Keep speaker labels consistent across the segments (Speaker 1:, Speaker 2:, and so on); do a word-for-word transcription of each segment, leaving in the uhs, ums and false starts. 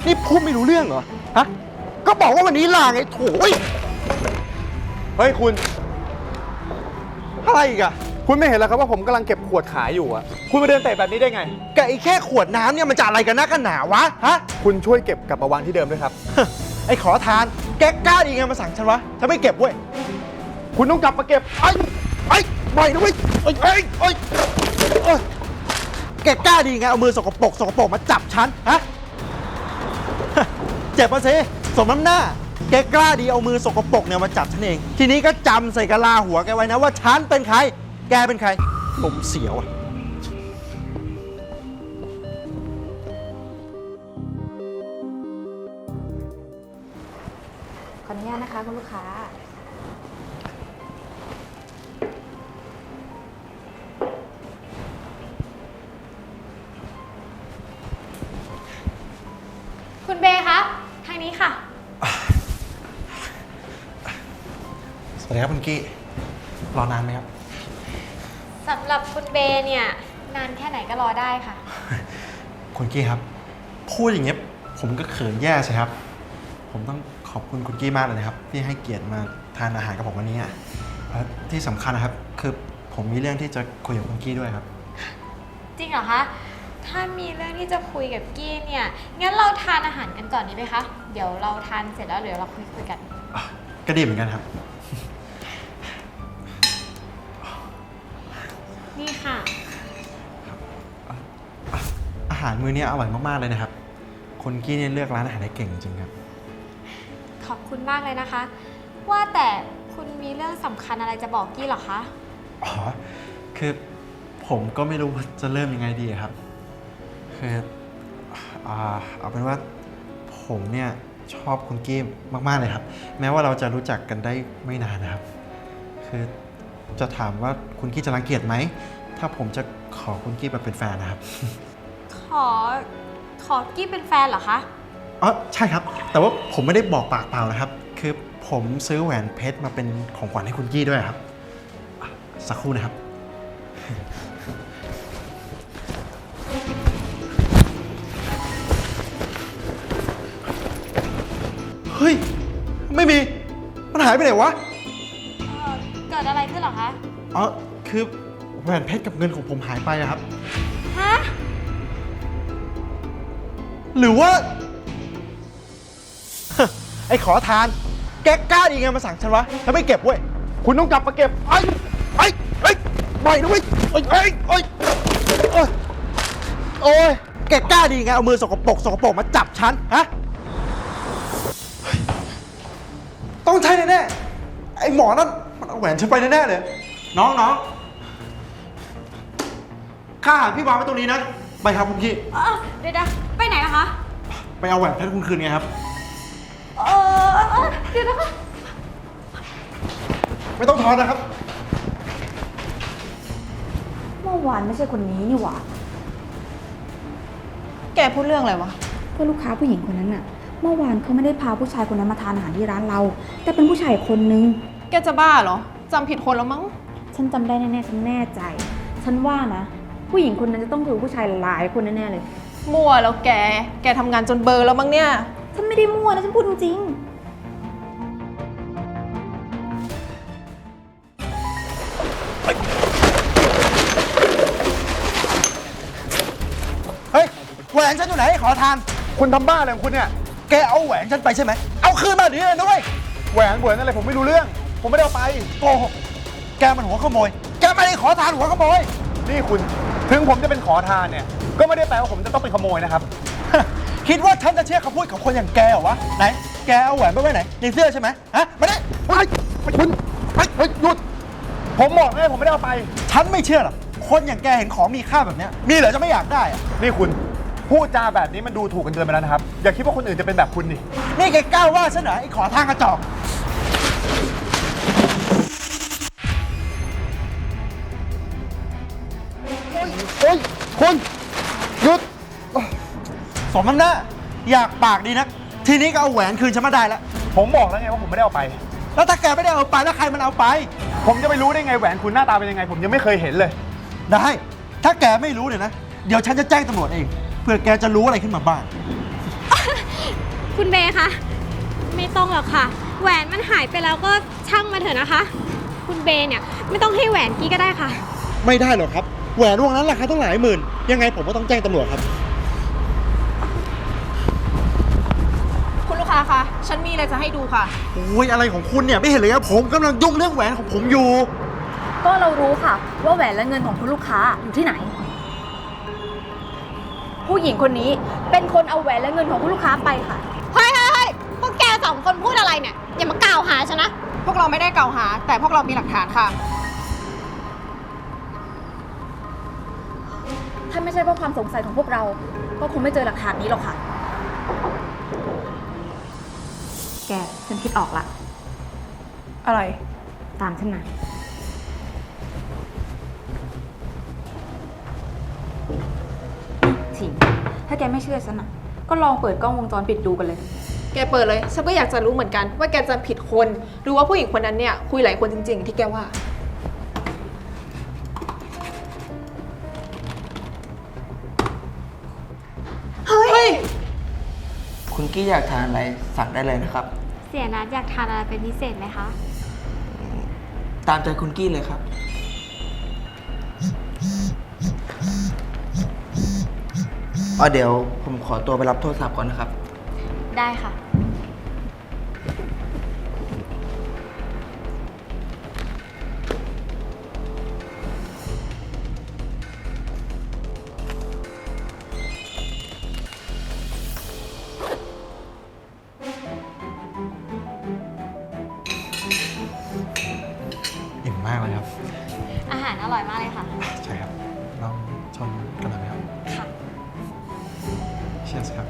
Speaker 1: นี่พูดไม่รู้เรื่องเหรอฮะก็บอกว่าวันนี้ลาไงโถ่เฮ้ยคุณอะไรอีกอะคุณไม่เห็นแล้วครับว่าผมกำลังเก็บขวดขายอยู่อะคุณมาเดินเตะแบบนี้ได้ไงแกไอ้แค่ขวดน้ำเนี่ยมันจะอะไรกันนักกันหนาวะฮะคุณช่วยเก็บกลับมาวางที่เดิมด้วยครับ ไอ้ขอทานแกกล้าดีไงมาสั่งฉันวะฉันไม่เก็บเว้ยคุณต้องกลับมาเก็บไอ้ไอ้ปล่อยนะเว้ยไอ้ไอ้ไอ้เอ้ยแกกล้าดีไงเอามือสกปรกสกปรกมาจับฉันฮะ เจ็บมาสิสมน้ำหน้าแกกล้าดีเอามือสกปรกเนี่ยมาจับฉันเองทีนี้ก็จำใส่กะลาหัวแกไว้นะว่าฉันเป็นใครแกเป็นใครลมเสียวอ่ะ
Speaker 2: ขออนุญาตนะคะคุณลูกค้า
Speaker 3: คุณเบย์คะทางนี้ค่ะ
Speaker 1: สวัสดีครับคุณกี้รอนานไหมครับ
Speaker 3: สำหรับคุณเบย์เนี่ยนานแค่ไหนก็รอได้ค่ะ
Speaker 1: คุณกี้ครับพูดอย่างเงี้ยผมก็เขินแย่ใช่ครับผมต้องขอบคุณคุณกี้มากเลยนะครับที่ให้เกียรติมาทานอาหารกับผมวันนี้อ่ะและที่สำคัญนะครับคือผมมีเรื่องที่จะคุยกับคุณกี้ด้วยครับ
Speaker 3: จริงเหรอคะ ถ้ามีเรื่องที่จะคุยกับกี้เนี่ยงั้นเราทานอาหารกันก่อนดีไหมคะเดี๋ยวเราทานเสร็จแล้วเดี๋ยวเราคุยคุยกัน
Speaker 1: ก็ดีเหมือนกันครับ
Speaker 3: นี่ค่ะ
Speaker 1: อาหารมื้อนี้อร่อยมากๆเลยนะครับคุณกี้เนี่ยเลือกร้านอาหารได้เก่งจริงๆครับ
Speaker 3: ขอบคุณมากเลยนะคะ ว่าแต่คุณมีเรื่องสำคัญอะไรจะบอกกี้เหรอคะ
Speaker 1: อ๋อคือผมก็ไม่รู้ว่าจะเริ่มยังไงดีครับคืออ่าเอาเป็นว่าผมเนี่ยชอบคุณกี้มากๆเลยครับแม้ว่าเราจะรู้จักกันได้ไม่นานนะครับคือจะถามว่าคุณกี้จะรังเกียจไหมถ้าผมจะขอคุณกี้มาเป็นแฟนนะครับ
Speaker 3: ขอขอกี้เป็นแฟนเหรอคะ
Speaker 1: อ๋อใช่ครับแต่ว่าผมไม่ได้บอกปากเปล่านะครับคือผมซื้อแหวนเพชรมาเป็นของขวัญให้คุณกี้ด้วยครับอ่ะสักครู่นะครับเฮ้ยไม่มีมันหายไปไหนวะ
Speaker 3: เอ่อเกิดอะไรขึ้นเหรอคะ
Speaker 1: อ๋อคือแหวนเพชรกับเงินของผมหายไปอะครับ
Speaker 3: ฮะ
Speaker 1: หรือว่า ไอ้ขอทานแกกล้าดีไงมาสั่งฉันวะฉันไม่เก็บเว้ยคุณต้องกลับมาเก็บไอ้ไอ้ไอ้ปล่อยนะเว้ยไอ้ไอ้ไอ้โอ้ยโอ้ยแกกล้าดีไงเอามือสกปรกสกปรกมาจับฉันฮะต้องใช่แน่ๆไอ้หมอนั่นมันเอาแหวนฉันไปแน่ๆเลยน้องน้องค่าอาหารพี่วางไว้ตรงนี้นะไปครับคุณพี่
Speaker 3: เอ่อเดี๋ยวนะไปไหนนะคะ
Speaker 1: ไปเอาแหวนเพชรคุณคืนไงครับ
Speaker 3: เออเออเดี๋ยวนะคะ
Speaker 1: ไม่ต้องทอนนะครับ
Speaker 2: เมื่อวานไม่ใช่คนนี้นี่หว่า
Speaker 4: แกพูดเรื่องอะไรวะ
Speaker 2: เพื่อนลูกค้าผู้หญิงคนนั้นน่ะ เมื่อวานเขาไม่ได้พาผู้ชายคนนั้นมาทานอาหารที่ร้านเรา แต่เป็นผู้ชายคนนึง
Speaker 4: แกจะบ้าเหรอ จำผิดคนแล้วมั้ง
Speaker 2: ฉันจำได้แน่ๆฉันแน่ใจ ฉันว่านะ ผู้หญิงคนนั้นจะต้องถูกผู้ชายหลายคนแน่ๆเลย
Speaker 4: มั่วแล้วแก แกทำงานจนเบลอร์แล้วมั้งเนี่ย
Speaker 2: ฉันไม่ได้มั่วนะฉันพูดจริง
Speaker 1: เฮ้ยแหวนฉันอยู่ไหนขอทาน คุณทำบ้าอะไรของคุณเนี่ย แกเอาแหวนฉันไปใช่ไหม เอาคืนมาเดี๋ยวนี้เลยนะเว้ยแหวนแหวนอะไรผมไม่รู้เรื่อง ผมไม่ได้เอาไปโกหกแกมันหัวขโมย แกไม่ได้ขอทานหัวขโมย นี่คุณ ถึงผมจะเป็นขอทานเนี่ย ก็ไม่ได้แปลว่าผมจะต้องเป็นขโมยนะครับ คิดว่าฉันจะเชื่อคำพูดของคนอย่างแกเหรอวะ ไหน แกเอาแหวนไปไว้ไหน ในเสื้อใช่ไหมฮะมาดิเฮ้ยคุณเฮ้ยเฮ้ยหยุด ผมบอกเลยผมไม่ได้เอาไป ฉันไม่เชื่อหรอก คนอย่างแกเห็นของมีค่าแบบเนี้ยมีเหรอจะไม่อยากได้อะนี่คุณ พูดจาแบบนี้มันดูถูกกันเกินไปแล้วนะครับ อย่าคิดว่าคนอื่นจะเป็นแบบคุณดินี่แกกล้าว่าฉันเหรอไอ้ขอทางกระจอกเฮ้ยคุณหยุดสมน้ำหน้าอยากปากดีนะทีนี้ก็เอาแหวนคืนฉันมาได้แล้ว ผมบอกแล้วไงว่าผมไม่ได้เอาไป แล้วถ้าแกไม่ได้เอาไปแล้วใครมันเอาไป ผมจะไปรู้ได้ไงแหวนคุณหน้าตาเป็นยังไง ผมยังไม่เคยเห็นเลย ได้ ถ้าแกไม่รู้เนี่ยนะ เดี๋ยวฉันจะแจ้งตำรวจเอง เพื่อแกจะรู้อะไรขึ้นมาบ้าง
Speaker 3: คุณเบย์คะ ไม่ต้องหรอกค่ะ แหวนมันหายไปแล้วก็ช่างมาเถอะนะคะ คุณเบย์เนี่ยไม่ต้องให้แหวนกี้ก็ได้ค่ะ
Speaker 1: ไม่ได้หรอกครับ แหวนวงนั้นราคาต้องหลายหมื่น ยังไงผมก็ต้องแจ้งตำรวจครับ
Speaker 4: คุณลูกค้าคะ ฉันมีอะไรจะให้ดูค่ะ
Speaker 1: โอ้ยอะไรของคุณเนี่ยไม่เห็นเลยครับผมกำลังยุ่งเรื่องแหวนของผมอยู่
Speaker 2: ก็เรารู้ค่ะ ว่าแหวนและเงินของคุณลูกค้าอยู่ที่ไหน ผู้หญิงคนนี้เป็นคนเอาแหวนและเงินของคุณลูกค้าไปค่ะ
Speaker 3: เฮ้ยเฮ้ยเฮ้ยพวกแกสองคนพูดอะไรเนี่ย อย่ามากล่าวหาฉันนะ
Speaker 4: พวกเราไม่ได้กล่าวหา แต่พวกเรามีหลักฐานค่ะ
Speaker 2: ถ้าไม่ใช่เพราะความสงสัยของพวกเรา ก็คงไม่เจอหลักฐานนี้หรอกค่ะ แก ฉันคิดออกละ
Speaker 4: อะไร
Speaker 2: ตามฉันมาถิงถ้าแกไม่เชื่อฉันอ่ะ ก็ลองเปิดกล้องวงจรปิดดูกันเลย
Speaker 4: แกเปิดเลย ฉันก็อยากจะรู้เหมือนกันว่าแกจำผิดคน หรือว่าผู้หญิงคนนั้นเนี่ยคุยหลายคนจริงๆ ที่แกว่า เฮ้ย
Speaker 5: คุณกี้อยากทานอะไรสั่งได้เลยนะครับ
Speaker 3: เสียนัดอยากทานอะไรเป็นพิเศษไหมคะ
Speaker 5: ตามใจคุณกี้เลยครับอ๋อเดี๋ยวผมขอตัวไปรับโทรศัพท์ก่อนนะครับ
Speaker 3: ได้ค่ะ
Speaker 1: อิ่มมากเลยครับ
Speaker 3: อาหารอร่อยมากเลยค่ะ
Speaker 1: ใช่ครับลองชมกันหน่อยไหมครับ
Speaker 3: ค่ะ
Speaker 1: เชียร์ครับ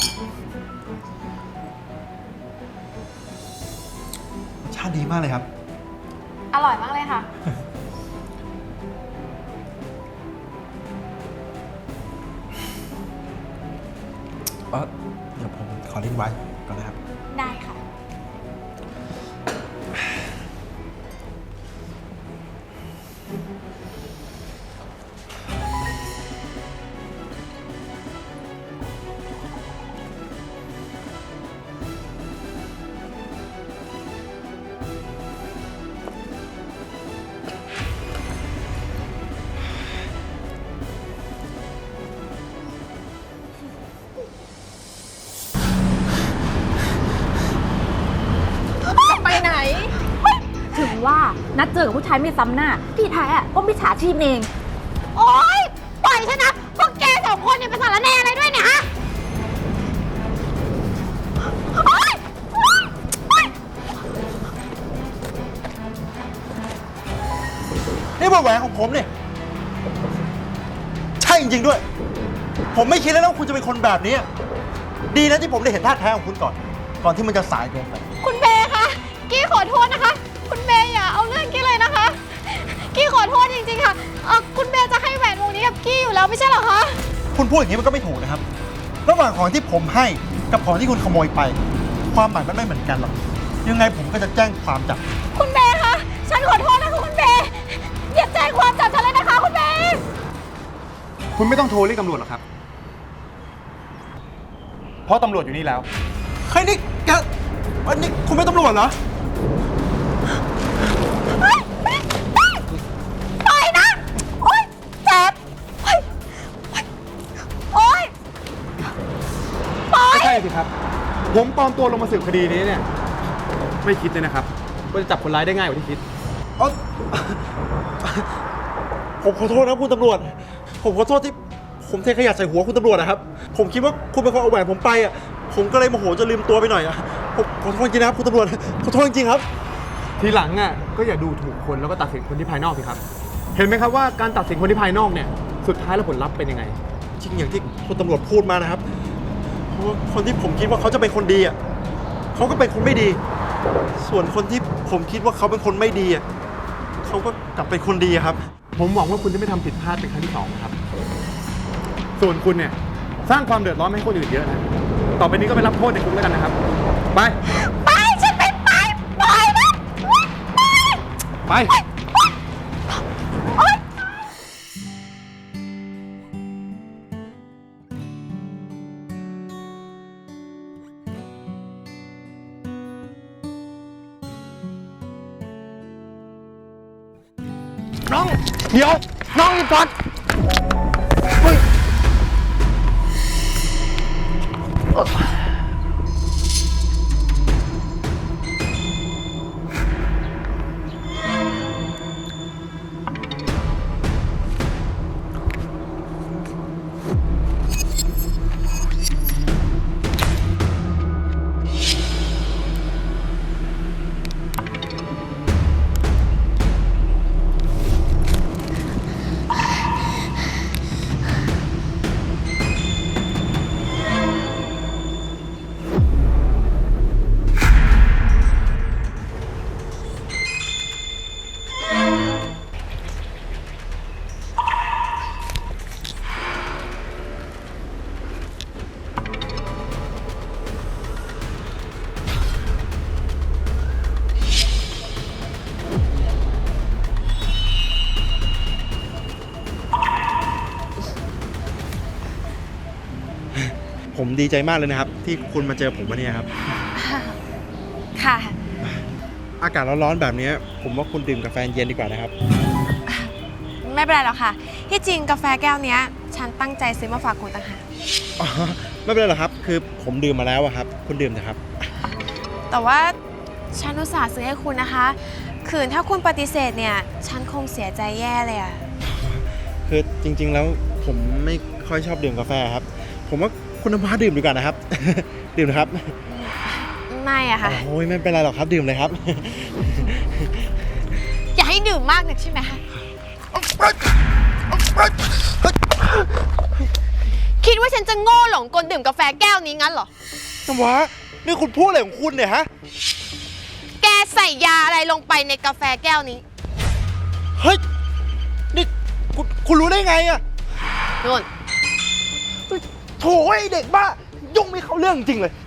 Speaker 1: รสชาติดีมากเลยครับ
Speaker 3: อร่อยมากเลยค่ะ
Speaker 1: เออเดี๋ยวผมขอลิ้นไว้ก่อนนะครับ
Speaker 3: ได้ค่ะ
Speaker 4: ไปไหน
Speaker 2: ถึงว่านัดเจอกับผู้ชายไม่ซ้ำหน้า ที่แท้อะก็มิจฉาชีพเอง
Speaker 3: โอ๊ย ปล่อยฉันนะ พวกแกสองคนเนี่ยเป็นสารแหน่อะไรด้วยเนี่ยฮะ โอ๊ยโอ๊ยโอ๊ย
Speaker 1: นี่เป็นแหวนของผมเนี่ยใช่จริงๆด้วย ผมไม่คิดเลยนะว่าคุณจะเป็นคนแบบนี้ ดีนะที่ผมได้เห็นท่าแท้ของคุณก่อน ก่อนที่มันจะสายเกินไป
Speaker 3: คุณเบย์คะ กี้ขอโทษนะคะ คุณเบย์อย่าเอาเรื่องกี้เลยนะคะ กี้ขอโทษจริงๆค่ะเอ่อคุณเบย์จะให้แหวนวงนี้กับกี้อยู่แล้วไม่ใช่เหรอคะ
Speaker 1: คุณพูดอย่างนี้มันก็ไม่ถูกนะครับ ระหว่างของที่ผมให้กับของที่คุณขโมยไป ความหมายมันไม่เหมือนกันหรอก ยังไงผมก็จะแจ้งความจับ
Speaker 3: คุณเบย์คะ ฉันขอโทษนะคะคุณเบย์อย่าแจ้งความจับฉันเลยนะคะคุณเบย์
Speaker 6: คุณไม่ต้องโทรเรียกตำรวจหรอกครับ เพราะตำรวจอยู่นี่แล้ว
Speaker 1: เฮ้ยนี่แกอันนี้คุณเป็นตำรวจเหรอ
Speaker 3: ปล่อยนะ โอ๊ยเจ็บโอ๊ยโอ๊ยปล่อย
Speaker 6: ไม่ใช่สิครับ ผมปลอมตัวลงมาสืบคดีนี้เนี่ย ไม่คิดเลยนะครับว่าจะจับคนร้ายได้ง่ายกว่าที่คิด
Speaker 1: เอ้าผมขอโทษนะคุณตำรวจ ผมขอโทษที่ผมเทขยะใส่หัวคุณตำรวจนะครับ ผมคิดว่าคุณเป็นคนเอาแหวนผมไปอ่ะ ผมก็เลยโมโหจะลืมตัวไปหน่อยอ่ะ ผมขอโทษจริงนะครับคุณตำรวจ ขอโทษจริงๆครับ
Speaker 6: ทีหลังอ่ะก็อย่าดูถูกคนแล้วก็ตัดสินคนที่ภายนอกสิครับ เห็นไหมครับว่าการตัดสินคนที่ภายนอกเนี่ย สุดท้ายแล้วผลลัพธ์เป็นยังไง
Speaker 1: จริงอย่างที่คุณตำรวจพูดมานะครับ เพราะว่าคนที่ผมคิดว่าเขาจะเป็นคนดีอ่ะเขาก็เป็นคนไม่ดี ส่วนคนที่ผมคิดว่าเขาเป็นคนไม่ดีอ่ะเขาก็กลับเป็นคนดีอะครับ
Speaker 6: ผมหวังว่าคุณจะไม่ทำผิดพลาดเป็นครั้งที่สองนะครับ ส่วนคุณเนี่ยสร้างความเดือดร้อนให้คนอื่นเยอะนะ ต่อไปนี้ก็ไปรับโทษในคุกแล้วกันนะครับ ไป
Speaker 3: ไป ฉันไม่ไป ปล่อยนะไป
Speaker 6: ไป
Speaker 3: โอ๊ย
Speaker 1: น้อง เดี๋ยว น้องหยุดก่อนเฮ้ย
Speaker 6: ผมดีใจมากเลยนะครับ ที่คุณมาเจอผมวันนี้ครับ
Speaker 3: ค่ะ
Speaker 6: อากาศร้อนๆแบบนี้ผมว่าคุณดื่มกาแฟเย็นดีกว่านะครับ
Speaker 4: ไม่เป็นไรหรอกค่ะ ที่จริงกาแฟแก้วเนี้ย ฉันตั้งใจซื้อมาฝากคุณต่างหาก
Speaker 6: อ๋อไม่เป็นไรหรอกครับ คือผมดื่มมาแล้วอะครับ คุณดื่มนะครับ
Speaker 4: แต่ว่าฉันอุตส่าห์ซื้อให้คุณนะคะคืนถ้าคุณปฏิเสธเนี่ย ฉันคงเสียใจแย่เลยอะ
Speaker 6: คือจริงๆแล้วผมไม่ค่อยชอบดื่มกาแฟครับ ผมว่าคุณน้ำว้าดื่มดีกว่านะครับ ดื่มนะครับ
Speaker 4: ไม่อะค่ะ
Speaker 6: โอ้ยไม่เป็นไรหรอกครับดื่มเลยครับ
Speaker 4: อย่าให้ดื่มมากนักใช่ไหมคะ คิดว่าฉันจะโง่หลงกลดื่มกาแฟแก้วนี้งั้นเหรอ
Speaker 6: น้ำว้านี่คุณพูดอะไรของคุณเนี่ยฮะ
Speaker 4: แกใส่ยาอะไรลงไปในกาแฟแก้วนี้
Speaker 6: เฮ้ย นี่คุณคุณรู้ได้ไงอะ
Speaker 4: นู่น
Speaker 6: โถ่ไอเด็กบ้า ยุ่งไม่เข้าเรื่องจริงเลย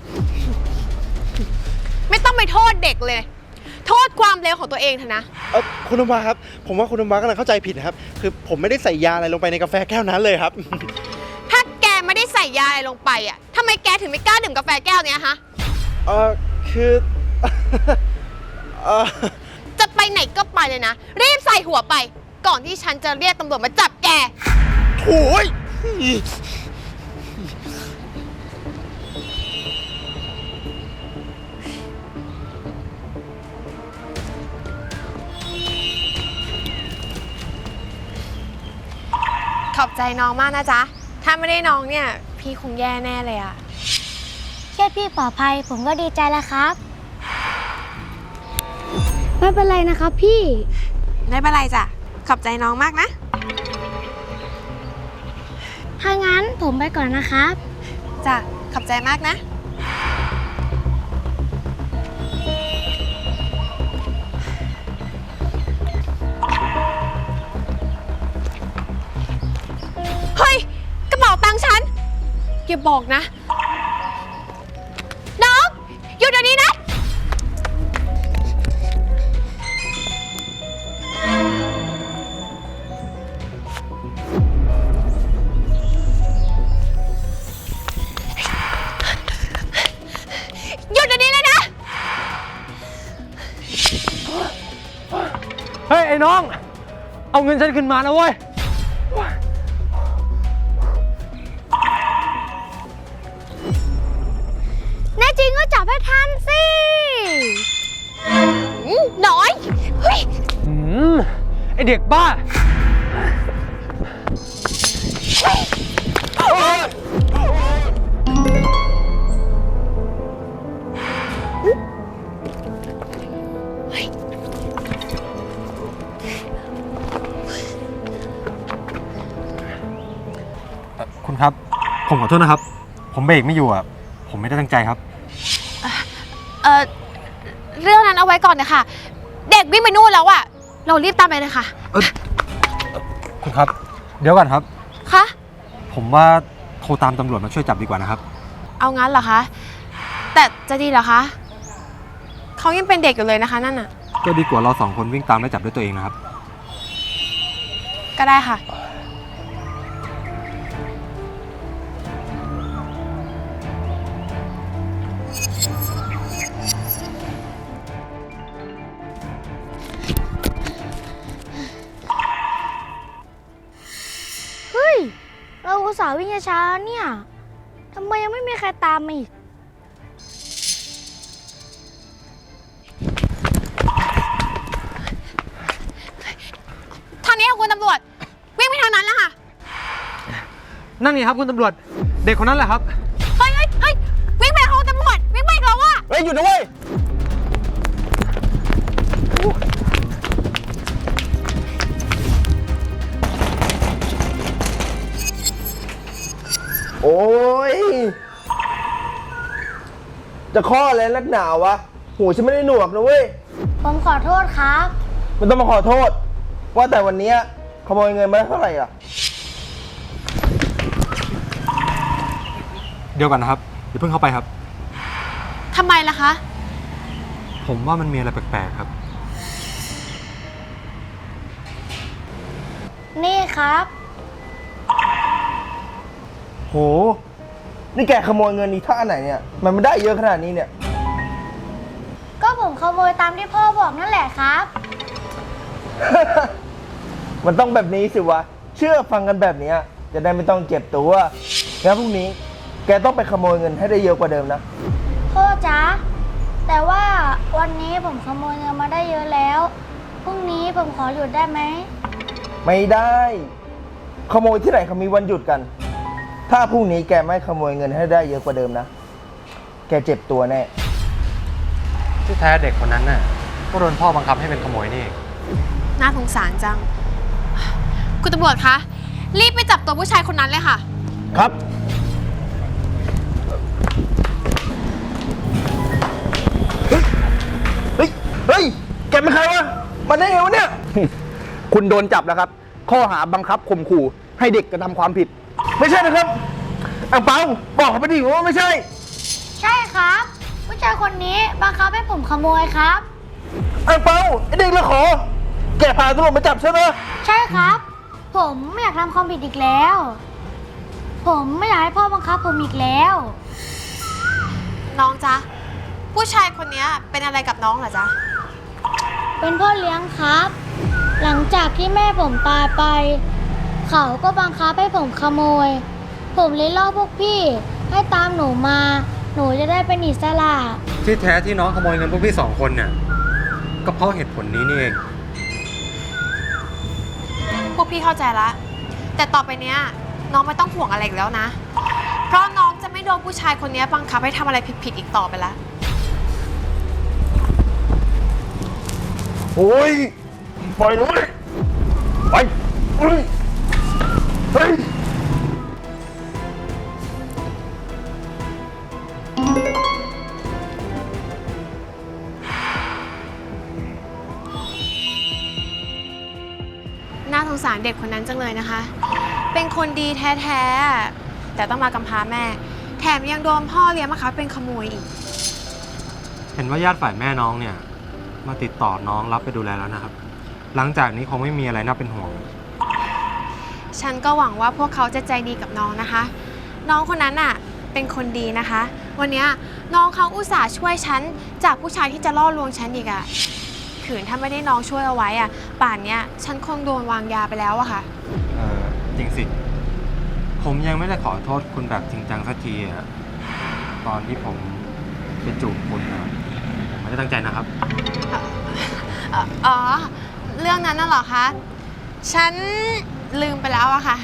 Speaker 4: ไม่ต้องไปโทษเด็กเลย โทษความเลวของตัวเองเถอะนะ
Speaker 6: เออคุณน้ำว้าครับ ผมว่าคุณน้ำว้ากำลังเข้าใจผิดนะครับ คือผมไม่ได้ใส่ยาอะไรลงไปในกาแฟแก้วนั้นเลยครับ
Speaker 4: ถ้าแกไม่ได้ใส่ยาอะไรลงไปอ่ะทำไมแกถึงไม่กล้าดื่มกาแฟแก้วเนี้ยฮะ
Speaker 6: เออคือ เออ
Speaker 4: จะไปไหนก็ไปเลยนะ รีบใส่หัวไป ก่อนที่ฉันจะเรียกตำรวจมาจับแก
Speaker 6: โถ่ย
Speaker 4: ขอบใจน้องมากนะจ๊ะ ถ้าไม่ได้น้องเนี่ย พี่คงแย่แน่เลยอะ
Speaker 7: แค่พี่ปลอดภัยผมก็ดีใจแล้วครับ ไม่เป็นไรนะครับพี่
Speaker 4: ไม่เป็นไรจ้ะ ขอบใจน้องมากนะ
Speaker 7: ถ้างั้นผมไปก่อนนะครับ
Speaker 4: จ้ะ ขอบใจมากนะ เฮ้ย กระเป๋าตังค์ฉัน อย่าบอกนะ น้องหยุดเดี๋ยวนี้นะ หยุดเดี๋ยวนี้เลยนะ
Speaker 8: เฮ้ย ไอ้น้อง เอาเงินฉันขึ้นมานะเว้ย
Speaker 7: แน่จริงก็จับให้ทันสิ
Speaker 4: หน่อย เฮ้ย
Speaker 8: อืม ไอเด็กบ้า
Speaker 6: คุณครับ ผมขอโทษนะครับ ผมเบรกไม่อยู่อ่ะ ผมไม่ได้ตั้งใจครับ
Speaker 4: เอ่อ เรื่องนั้นเอาไว้ก่อนนะคะ เด็กวิ่งไปนู่นแล้วอะเรารีบตามไปเลยค่ะ
Speaker 6: คุณครับ เดี๋ยวก่อนครับ
Speaker 4: คะ
Speaker 6: ผมว่าโทรตามตำรวจมาช่วยจับดีกว่านะครับ
Speaker 4: เอางั้นเหรอคะ แต่จะดีเหรอคะ เขายังเป็นเด็กอยู่เลยนะคะนั่นน่ะ
Speaker 6: ก็ดีกว่าเราสองคนวิ่งตามและจับด้วยตัวเองนะครับ
Speaker 4: ก็ได้ค่ะ
Speaker 7: ห์วิ่งช้าๆเนี่ยทำไมยังไม่มีใครตามมาอีก
Speaker 4: ทางนี้ค่ะคุณตำรวจ วิ่งไปทางนั้นแล้วค่ะ
Speaker 8: นั่นนี่ครับคุณตำรวจ เด็กคนนั้นแหละครับ
Speaker 4: เฮ้ยเฮ้ยเฮ้ยวิ่งไปทางคุณตำรวจ วิ่งไปอีกแล้วอะ
Speaker 1: เฮ้ยหยุดนะเว้ย
Speaker 5: โอ้ย จะข้ออะไรนักหนาวะ หูฉันไม่ได้หนวกนะเว้ย
Speaker 7: ผมขอโทษครับ
Speaker 5: มันต้องมาขอโทษ ว่าแต่วันเนี้ยขโมยเงินมาได้เท่าไหร่อ่ะ
Speaker 6: เดี๋ยวก่อนนะครับอย่าเพิ่งเข้าไปครับ
Speaker 4: ทำไมล่ะคะ
Speaker 6: ผมว่ามันมีอะไรแปลกๆครับ
Speaker 7: นี่ครับ
Speaker 5: โห นี่แกขโมยเงินนี้ท่าไหนเนี่ย มันไม่ได้เยอะขนาดนี้เนี่ย
Speaker 7: ก็ผมขโมยตามที่พ่อบอกนั่นแหละครับ
Speaker 5: มันต้องแบบนี้สิวะ เชื่อฟังกันแบบเนี้ยจะได้ไม่ต้องเจ็บตัวงั้นพรุ่งนี้ แกต้องไปขโมยเงินให้ได้เยอะกว่าเดิมนะ
Speaker 7: พ่อจ๊ะ แต่ว่าวันนี้ผมขโมยเงินมาได้เยอะแล้ว พรุ่งนี้ผมขอหยุดได้ไหม
Speaker 5: ไม่ได้ ขโมยที่ไหนเขามีวันหยุดกัน ถ้าพรุ่งนี้แกไม่ขโมยเงินให้ได้เยอะกว่าเดิมนะ แกเจ็บตัวแน่
Speaker 6: ที่แท้เด็กคนนั้นน่ะก็โดนพ่อบังคับให้เป็นขโมยนี่เอง
Speaker 4: น่าสงสารจัง คุณตำรวจคะ รีบไปจับตัวผู้ชายคนนั้นเลยค่ะ
Speaker 5: ครับ เฮ้ย เฮ้ย เฮ้ย แกเป็นใครวะ มาได้ไงวะเนี่ย
Speaker 1: คุณโดนจับแล้วครับ ข้อหาบังคับข่มขู่ให้เด็กกระทำความผิด
Speaker 5: ไม่ใช่นะครับอังเปาบอกเขาไปดิว่าไม่ใช่
Speaker 7: ใช่ครับ ผู้ชายคนนี้บังคับให้ผมขโมยครับ
Speaker 5: อังเปาไอเด็กละขอ แกพาตำรวจมาจับใช่ไหม
Speaker 7: ใช่ครับ ผมไม่อยากทำความผิดอีกแล้ว ผมไม่อยากให้พ่อบังคับผมอีกแล้ว
Speaker 4: น้องจ๊ะ ผู้ชายคนนี้เป็นอะไรกับน้องเหรอจ๊ะ
Speaker 7: เป็นพ่อเลี้ยงครับ หลังจากที่แม่ผมตายไป เขาก็บังคับให้ผมขโมย ผมเลยล่อพวกพี่ ให้ตามหนูมา หนูจะได้เป็นอิสระ
Speaker 6: ที่แท้ที่น้องขโมยเงินพวกพี่สองคนเนี่ยก็เพราะเหตุผลนี้นี่เอง
Speaker 4: พวกพี่เข้าใจละ แต่ต่อไปเนี้ยน้องไม่ต้องห่วงอะไรอีกแล้วนะ เพราะน้องจะไม่โดนผู้ชายคนนี้บังคับให้ทำอะไรผิดๆอีกต่อไปละ
Speaker 5: โอ้ย ปล่อยเลยไปเฮ้ย เฮ้ย
Speaker 4: น่าสงสารเด็กคนนั้นจังเลยนะคะ เป็นคนดีแท้ๆ แต่ต้องมากำพร้าแม่ แถมยังโดนพ่อเลี้ยงมาคับเป็นขโมยอีก
Speaker 6: เห็นว่าญาติฝ่ายแม่น้องเนี่ยมาติดต่อน้องรับไปดูแลแล้วนะครับ หลังจากนี้คงไม่มีอะไรน่าเป็นห่วง
Speaker 4: ฉันก็หวังว่าพวกเขาจะใจดีกับน้องนะคะ น้องคนนั้นน่ะเป็นคนดีนะคะ วันเนี้ยน้องเขาอุตส่าห์ช่วยฉันจากผู้ชายที่จะล่อลวงฉันอีกอะขืนถ้าไม่ได้น้องช่วยเอาไว้อะป่านเนี้ยฉันคงโดนวางยาไปแล้วอะค่ะ
Speaker 6: เออจริงสิ ผมยังไม่ได้ขอโทษคุณแบบจริงจังสักทีอะตอนที่ผมไปจูบคุณนะผมไม่ได้ตั้งใจนะครับ
Speaker 4: เอ่ออ๋อ เรื่องนั้นน่ะเหรอคะ ฉันลืมไปแล้วอะค่ะ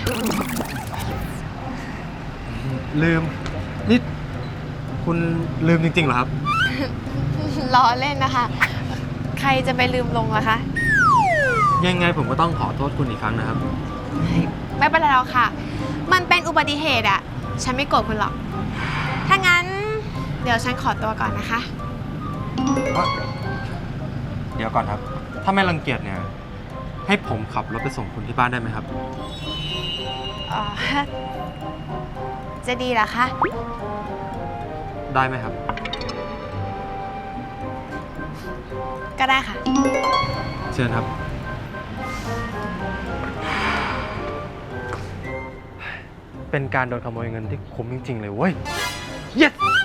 Speaker 6: ลืม นี่คุณลืมจริงๆเหรอครับ
Speaker 4: ล้อเล่นนะคะ ใครจะไปลืมลงล่ะคะ
Speaker 6: ยังไงผมก็ต้องขอโทษคุณอีกครั้งนะครับ
Speaker 4: ไม่เป็นไรหรอกค่ะ มันเป็นอุบัติเหตุอะฉันไม่โกรธคุณหรอก ถ้างั้น เดี๋ยวฉันขอตัวก่อนนะคะ
Speaker 6: เดี๋ยวก่อนครับ ถ้าไม่รังเกียจเนี่ย ให้ผมขับรถไปส่งคุณที่บ้านได้ไหมครับ
Speaker 4: อ๋อ จะดีเหรอคะ
Speaker 6: ได้ไหมครับ
Speaker 4: ก็ได้ค่ะ
Speaker 6: เชิญครับ เป็นการโดนขโมยเงินที่คุ้มจริงๆเลยเว้ย yes